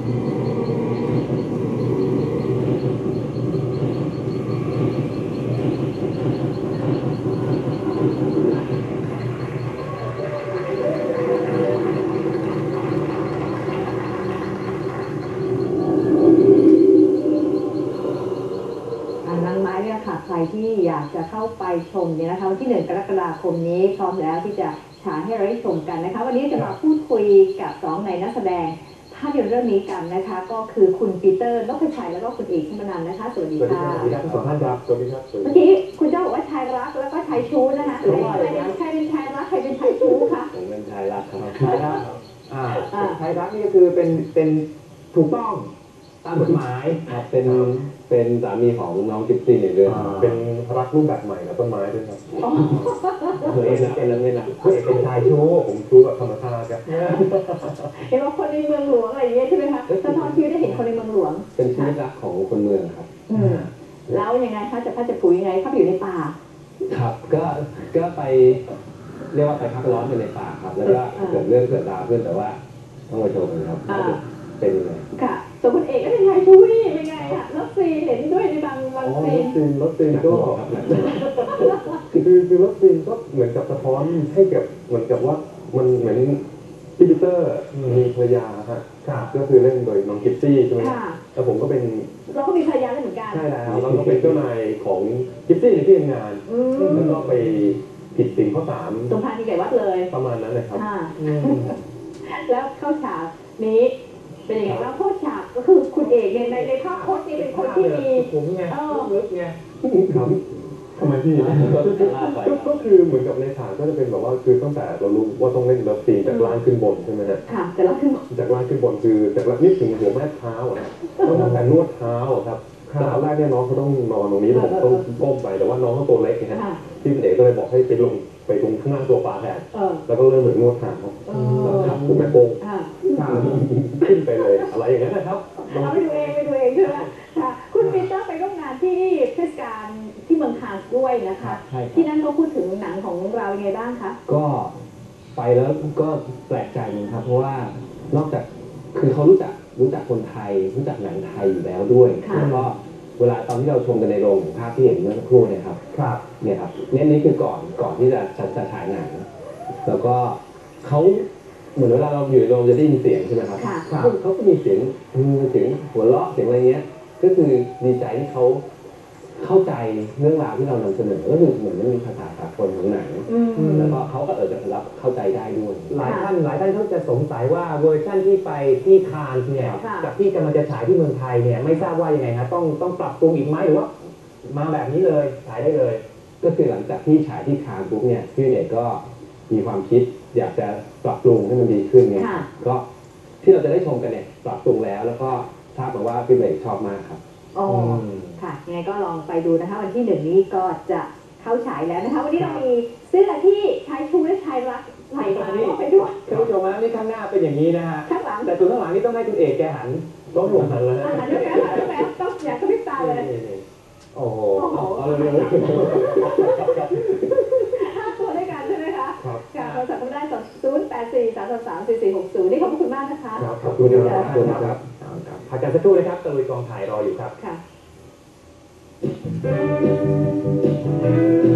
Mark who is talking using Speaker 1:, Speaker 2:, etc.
Speaker 1: ใครที่อยากจะเข้าไปชมเนี่ยนะคะวันที่1 กรกฎาคมนี้พร้อมแล้วที่จะฉายให้เราได้ชมกันนะคะวันนี้จะมาพูดคุยกับ2ในนักแสดงภาพยนตร์เรื่องนี้กันนะคะก็คือคุณปีเตอร์นพชัยแล้วก็คุณเอกชมนันท์นะคะสวัสดีค่ะ
Speaker 2: สวัสดีครับทั้งสองท่านครับสวัสดีครับ
Speaker 1: เมื่อกี้คุณเจ้าบอกว่าชายรักแล้วก็ชายชู้นะคะใครเป็นชายรักใครเป็นชายชู้คะ
Speaker 2: ผมเป็นชายรักครับชายรักชายรักนี่ก็คือเป็นถูกต้องตามกฎหมาย
Speaker 3: ครับเป็นสามีของน้องกิฟซี่ในเรื่อง
Speaker 2: เป็นรักรูปแบบใหม่กับต้นไม้ด้วยครับ
Speaker 3: เฮ้ยนะเป็นนั้นไม่นะ
Speaker 2: เป็นชายชู้ผมชู้แบบธรรมชาติครับ
Speaker 1: เห็นว่าคนในเมืองหลวงอะไรอย่างเงี้ยใช่ไหมคะสะท้อนชีวิตได้เห็นคนในเมืองหลวง
Speaker 3: เป็นชีวิตรักของคนเมืองครับ
Speaker 1: แล้วยังไงคะจะพัดจะผูยังไงเข้าไปอยู่ในป่า
Speaker 3: ครับก็ไปเรียกว่าไปพักร้อนในป่าครับแล้วก็เกิดเรื่องเกิดราวขึ้นแต่ว่าต้องมาโชว์กันครับเป็นยังไง
Speaker 1: ค่ะส่วนคุณเอกก็เป็นชายชู้นี่เป็นไงคะรถซีเห็นด้วยในบางซีน
Speaker 2: รถซีนก็คือรถซีนก็เหมือนกับสะท้อนให้กับเหมือนกับว่ามันเหมือนพี่ปีเตอร์มีภรรยาครับก็คือเล่นโดยน้องกิฟซี่ใช่ไหมแล้วผมก็เป็น
Speaker 1: เราก็มีภรรยาเหมือนกัน
Speaker 2: ใช่แล้วเราก็เป็นเจ้านายของกิฟซี่ในที่ทำงานแล้วก็ไปผิดศีลข้อ3
Speaker 1: สมภารที่ไก่วัดเลย
Speaker 2: ประมาณนั้นเลยครับ
Speaker 1: แล้วเข้าฉากนี้เป็นยังไงว่าเข้าฉากก็คือคุณเอกในภาพโคตรนี่เป็นคนที่มี
Speaker 2: ผมไงลึกไงครับทำไมพี่ก็คือเหมือนกับในฉากก็จะเป็นแบบว่าคือตั้งแต่เรารู้ว่าต้องเล่นเลิฟซีนจากล่างขึ้นบนใช่ไหมฮะ
Speaker 1: ค่ะจากล่างขึ้นบน
Speaker 2: คือจากล่างนี่ถึงหัวแม่เท้าอ่ะต้องตั้งแต่นวดเท้าครับแต่ตอนแรกเนี่ยน้องเขาต้องนอนตรงนี้ผมต้องก้มไปแต่ว่าน้องเขาตัวเล็กนะฮะที่เป็นเอกก็เลยบอกให้ไปลงตรงข้างล่างตัวปลาแทนแล้วก็เริ่มเหมือนนวดเท้าแล้วทำผมแม่โป้งขึ้นไปเลยอะไรอย่างนั้นนะครับ
Speaker 1: เอาไปดูเองใช่ไหมค่ะคุณปีเตอร์ไปร่วมงานที่เทศกาลที่เมืองคานส์ด้วยนะคะที่นั่นเขาพูดถึงหนังของเรายังไงบ้างคะ
Speaker 3: ก็ไปแล้วก็แปลกใจนะครับเพราะว่านอกจากคือเขารู้จักคนไทยรู้จักหนังไทยอยู่แล้วด้วยแล้วก็เวลาตอนที่เราชมกันในโรงภาพที่เห็นเมื่อสักครู่เนี่ยครับเนี่ยครับนี่คือก่อนที่จะฉายหนังแล้วก็เขาเหมือนเวลาเราอยู่ในโรงจะได้ยินเสียงใช่ไหมครับเขาก็มีเสียงหัวเราะเสียงอะไรเงี้ยก็คือดีใจที่เขาเข้าใจเรื่องราวที่เรานำเสนอก็คือเหมือนมันมีภาษาสากลของหนังแล้วก็เขาก็จะรับเข้าใจได้ด้วย
Speaker 4: หลายท่านเขาจะสงสัยว่าเวอร์ชั่นที่ไปที่คานส์เนี่ยกับที่กำลังจะฉายที่เมืองไทยเนี่ยไม่ทราบว่ายังไงครับต้องปรับปรุงอีกไหมหรือว่ามาแบบนี้เลยฉายได้เลย
Speaker 3: ก็คือหลังจากที่ฉายที่คานส์ปุ๊บเนี่ยพี่เอกก็มีความคิดอยากจะปรับปรุงให้มันดีขึ้นไงก็ที่เราจะได้ชมกันเนี่ยปรับปรุงแล้วก็ทราบมาว่าพี่เอกชอบมากครับ
Speaker 1: อ๋อค่ะยังไงก็ลองไปดูนะคะวันที่1นี้ก็จะเข้าฉายแล้วนะคะวันนี้เรามีเสื้อที่ชายชูและชายรักใส่มาไปด้วย
Speaker 4: ท่านผู้ชมนะนี่ข้างหน้าเป็นอย่างนี้นะฮะ
Speaker 1: ข้างหลัง
Speaker 4: แต่ตัวข้างหลังนี่ต้องให้คุณเอกแกหันต้องหลงหันเลย
Speaker 1: หันด้วยกันต้องอยากกระพริบตาเลย
Speaker 4: โอ้โห
Speaker 1: เอาเลย5 ตัวด้วยกันใช่ไหมคะค่ะโทรศัพท์ได้084-333-4460นี่ขอบคุณมากนะคะ
Speaker 4: ขอบคุณครับพักกันสักครู่นะครับตะลุยกองถ่ายรออยู่ครับ
Speaker 1: ค่ะ